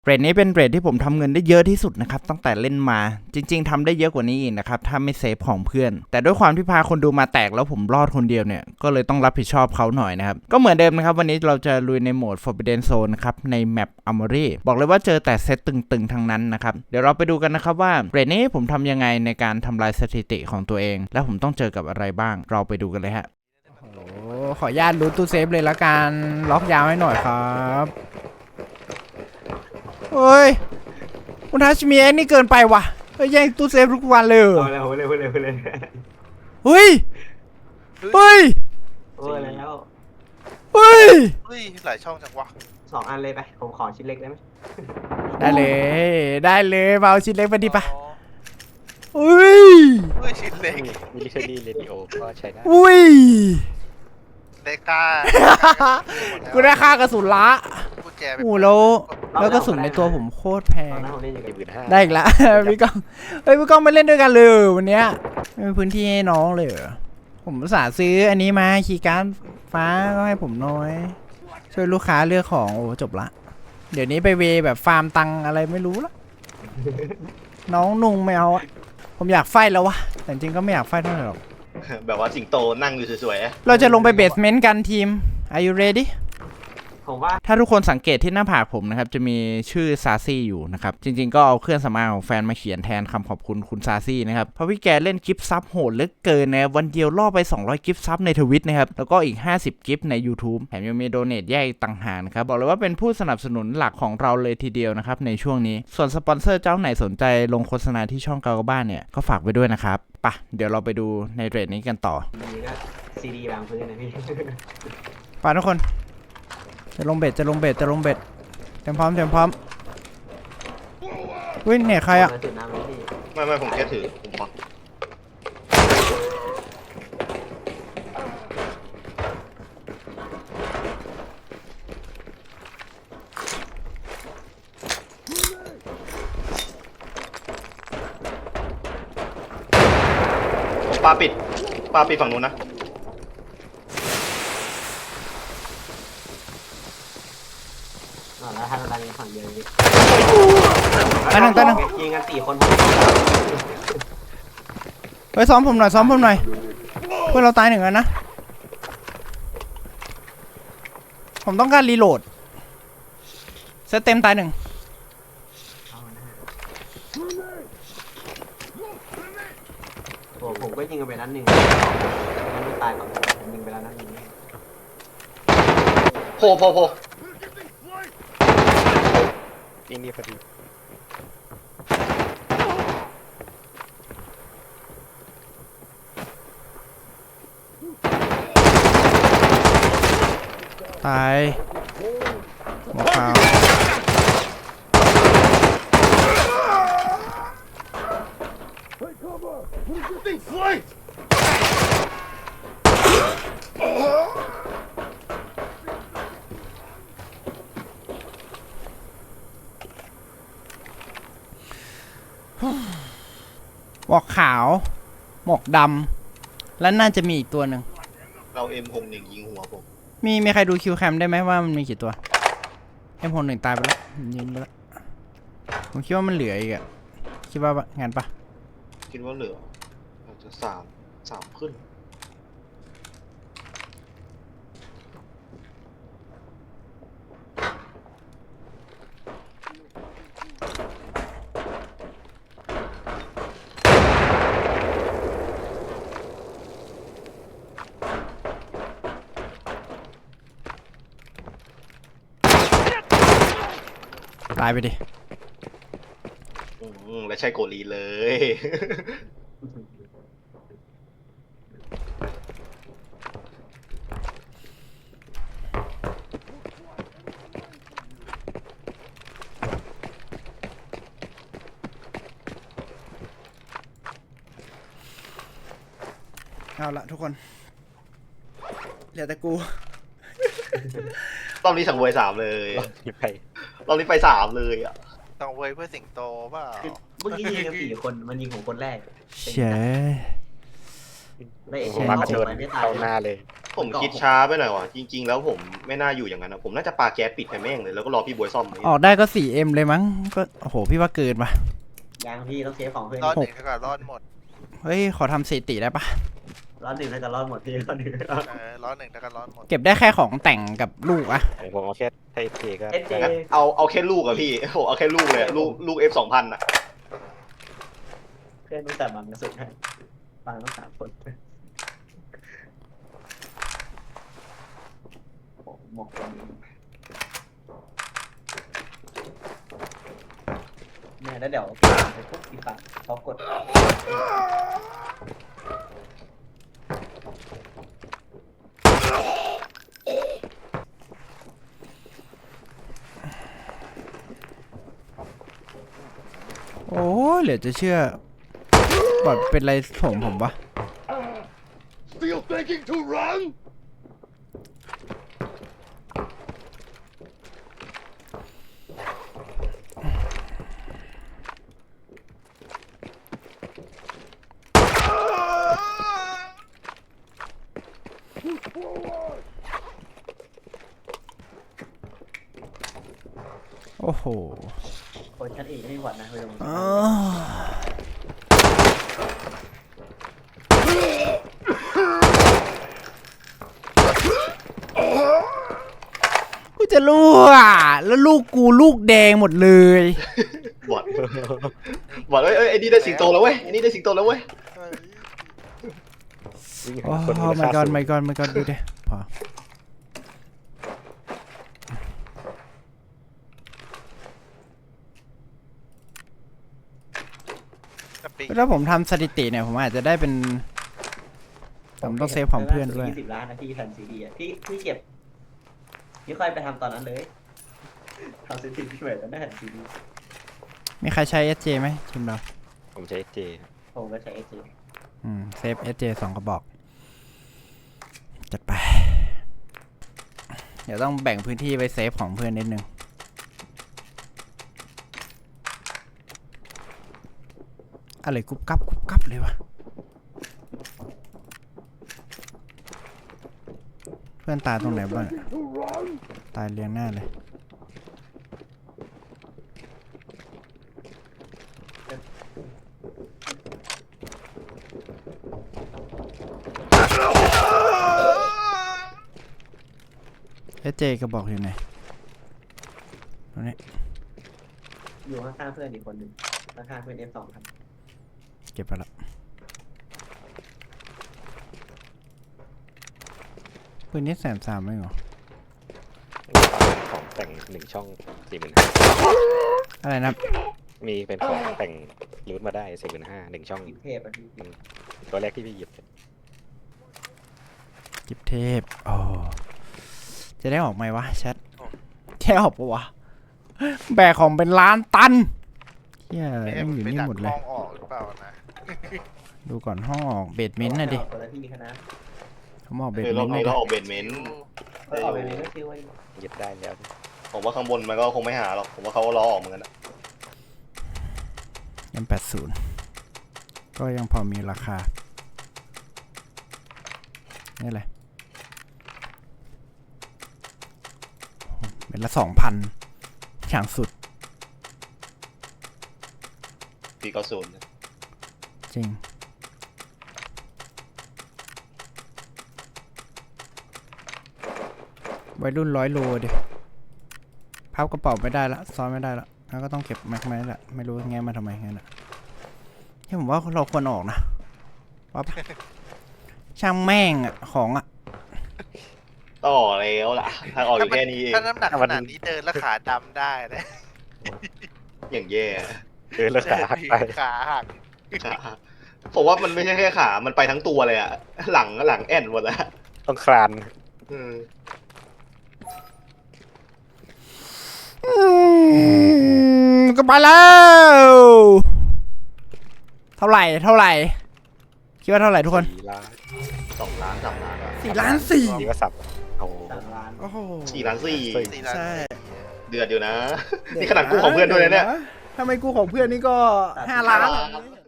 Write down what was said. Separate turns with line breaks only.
เรทนี้เป็นเรทที่ผมทำเงินได้เยอะที่สุดนะครับตั้งแต่เล่นมาจริงๆทำได้เยอะกว่านี้อีกนะครับถ้าไม่เซฟของเพื่อนแต่ด้วยความที่พาคนดูมาแตกแล้วผมรอดคนเดียวเนี่ยก็เลยต้องรับผิดชอบเขาหน่อยนะครับก็เหมือนเดิมนะครับวันนี้เราจะลุยในโหมด Forbidden Zone นะครับในแมป Armory บอกเลยว่าเจอแต่เซตตึงๆทั้งนั้นนะครับเดี๋ยวเราไปดูกันนะครับว่าเรทนี้ผมทำยังไงในการทำลายสถิติของตัวเองและผมต้องเจอกับอะไรบ้างเราไปดูกันเลยฮะโอ้ขออนุญาตรูทตู้เซฟเลยละกันล็อกยาวให้หน่อยครับเฮ้ยคุณทัชมีแอคนี่เกินไปว่ะแย่งตู้เซฟทุกวันเลย
เอาเลย
เฮ้ยเฮ้ย
โอ้ยแล้ว
เฮ้ย
หลายช่องจังวะ
2 อันเลยไปผมขอชิ้นเล็กได้ไหม
ได้เลยมาเอาชิ้นเล็กมาดิปะ
อ๋อ
อุ้ย
ชิ้นเล็ก
มิลิเทอรี่เรดิโอก็ใช้ได้
อุ้ย
เล็กก้า
กูได้ค่ากระสุนละ
กุญแจ
โอ้แล้วกระสุนในตัวผมโคตรแพ
ตอง นนั้นผมเล่นอยู่กับ
15,000
ได้อีกละ พี่ก้องเฮ้ยพี่ก้องไม่เล่นด้วยกันเลยวันเนี้ยไม่มีพื้นที่ให้น้องเลยเหรอผมอุตส่าห์ซื้ออันนี้มาคีย์การ์ดฟ้าก็ให้ผมน้อย ช่วยลูกค้าเลือกของโอ้จบละเดี๋ยวนี้ไปเวแบบฟาร์มตังอะไรไม่รู้ละ น้องนุ่งไม่เอาอะผมอยากไฟแล้ววะแต่จริงก็ไม่อยากไฟเท่าไหร่หรอก
แบบว่าสิงโตนั่งอยู่สวยๆ
เราจะลงไปเบสเมนต์กันทีม Are you ready
ผมว่า
ถ้าทุกคนสังเกตที่หน้าผากผมนะครับจะมีชื่อซาซี่อยู่นะครับจริงๆก็เอาเครื่องสำอางของแฟนมาเขียนแทนคำขอบคุณคุณซาซี่นะครับเพราะพี่แกเล่นกิฟต์ซับโหดเหลือเกินนะวันเดียวล่อไป200กิฟต์ซับในทวิตนะครับแล้วก็อีก50กิฟต์ใน YouTube แถมยังมีโดเนทแยกอีกต่างหากนะครับบอกเลยว่าเป็นผู้สนับสนุนหลักของเราเลยทีเดียวนะครับในช่วงนี้ส่วนสปอนเซอร์เจ้าไหนสนใจลงโฆษณาที่ช่องเกาบ้านเนี่ยก็ฝากไว้ด้วยนะครับปะเดี๋ยวเราไปดูในเรทนี้กันต่อ
มีก็ซีดีวางพื้นนะพี่
ไปทุกคนจะลงเบ็ดเตรียมพร้อมวิ่งเนี่ยใครอะ
จุดน้ำเลยพี่
ไม่ผมแค่ถือผมฟังปลาปิดฝั่งนู้นนะ
แล้วทางอะไรฝั่งเดียวพี่
ตายหนึ่ง
ยิงกัน4 คน
เฮ้ยซ้อมผมหน่อยเพื่อนเราตายหนึ่งแล้วนะผมต้องการรีโหลดเซตเต็มตายหนึ่ง
ผมก็ยิงกันไปนัดหนึ่งมันไม่ตายก่อนผมยิงไปแล้วนัดหนึ่ง
โพนี่พอดี
ตายหมอขาวหมอกขาวหมอกดำและน่าจะมีอีกตัวหนึ่ง
เรา M61 ยิงหัวผม
มีใครดูคิวแคมได้ไหมว่ามันมีกี่ตัว M61 ตายไปแล้วยิงไปแล้วผมคิดว่ามันเหลืออีกอะคิดว่างานปะ
คิดว่าเหลืออาจจะสามขึ้น
ตายไปดิ
และใช่โกลีเลย
เอาละทุกคนเหลือแต่กู
รอบนี้สังเวย3เลยรอบนี้ไป3เลยอ่ะ
ต้องเว้ยเพื่อสิงโตเปล่า
เมื่อกี้ยิงกัน4 คนมันยิงของคนแรก
เฉย
ไม่เอ
ผ
เชี
ม
ย
มา
เขา
กระโดด
มันไม่ตาย
เข้าหน้าเลย
ผมคิดช้าไปหน่อยว่ะจริง ๆ แล้วผมไม่น่าอยู่อย่างนั้นนะผมน่าจะปาแก๊สปิดไปแม่งเลยแล้วก็รอพี่บวยซ่อม
ออกได้ก็ 4M เลยมั้งก็โอ้โหพี่ว่าเกินปะ
ยังพี่ต้องเซฟของเพื่อน
รอดหนึ่งแล้วก็รอดหมด
เฮ้ยขอทำสถิติได้ปะ
รอดหนึ่งแล้วจะรอดหมดพี่รอดหนึ่ง
รอดหนึ่งแล้วก็รอดหมด
เก็บได้แค่ของแต่งกับลูกอะ
ผมเอาแค่ไทยเทก็
เอเจ
เอาแค่ลูกอะพี่โอ้เอาแค่ลูกเลยลูก F2000อะ
เพื่อนตั้งแต่มันกระสุนให้ฟังต้อง3 คนหมกคนเนี่ยแล้วเดี๋ยวไปพวกอีฝั่งเขากด
โอ้เหลือจะเชื่อบอดเป็นไรผมวะ
Still thinking to run?
โอ้โห
คนชั้นเอกไม่หวัดนะไปลง
อ้ากูจะรู้อ่ะแล้วลูกกูลูกแดงหมดเลย
บอดบอดเอ้ยไอ้นี่ได้สิงโตแล้วเว้ยไอ้นี่ได้สิงโตแล้วเว้ย
วิ่ง
โอ้
หาคน
my
ราคา
god
สูง
my god my god ดูดิพอ
จะปี
แล้วผมทำสถิติเนี่ยผมอาจจะได้เป็นผมต้องเซฟของเพื่อนด้วย
20 ล้านนะพี่แผ่นซีดีอ่ะพี่เก็บพี่ค่อยไปทำตอนนั้นเลยทำซีดีพี่เหมือนกันได้แผ่นซีดี
มีใครใช้ SJ ไหมทีมเรา
ผมใช้เจ
ผมก็ใช้เอเจ
เซฟ SJ 2 กระบอก จัดไป เดี๋ยวต้องแบ่งพื้นที่ไปเซฟของเพื่อนนิดนึง อะไรกุบกับเลยวะ เพื่อนตายตรงไหนบ้าง
To run?
ตายเรียงหน้าเลย SJ กระบอกอยู่ไหนตรงนี้
อยู่ข้างๆเพื่อนอีกคนหนึ่งข้างๆเพื่อน F2000
เก็บไปละปืนนี้130,000ไม่เหรอ
ของแต่ง1 ช่อง
อะไรนะครับ
40,000มีเป็นของแต่งรูทมาได้45,000 1 ช่อง
เทพอ่ะพี่
ตัวแรกที่พี่หยิบ
กิบเทพโอ้จะได้ออกไหมวะแชทแค่ออกปะวะ แบกของเป็นล้านตันเฮีย
ไม่
ยังอยู่
ไม่
นี่
ดัก
หมดเล
ห้
ย
องออกหรือเปล่านะ
ดูก่อนห้องออกเบดเมนต์นะดิ
คนละที่คณะ
เขาออกเบด
เออ
เม
รอน บ
ต์
นี้
นะ
เรา
ดิ
ออกเบนเมนต์
ก็ออกไปเลยก็ชื่อว่า
หยิบได้แล้ว
ผมว่าข้างบนมันก็คงไม่หาหรอกผมว่าเขาก็รอออกเหมือนกันนะ
M80ก็ยังพอมีราคา นี่แหละเป็นละ 2,000 อย่างสุด
490นะ
จริง วัยรุ่น100 โลดิพับกระเป๋าไม่ได้ละซ้อนไม่ได้ละแล้วก็ต้องเก็บแม็กไม้ละไม่รู้แงมาทำไมงั้นอ่ะที่ผมว่าเราควรออกนะว่าปะ ช่างแม่งอ่ะของอ่ะ
ต่อแล้วล่ะทางออกอยู่แค่นี้เอง
ถ้าน้ำหนักขนาดนี้เดินแล้วขาดำได้นะ
อย่างแย่
แล้วขาหักไป
ขาหัก
ขาผมว่ามันไม่ใช่แค่ขา มันไปทั้งตัวเลยอะหลังแอนหมดแล้ว
ต้องคลาน
อืม
ก็ไปแล้ว เท่าไหร่คิดว่าเท่าไหร่ทุกคน
4 ล้าน
2 ล้าน 3 ล้านอะ
4 ล้าน
นี่ก็สับโอ้
3 ล้าน
โอ้โห
4 ล้าน
4 ล้าน
ใช่
4 เดือดอยู่นะ นี่ขนาดกู้ของเพื่อนด้วยนะเนี่ย
ถ้าไม่กู้ของเพื่อนนี่ก็5 ล้าน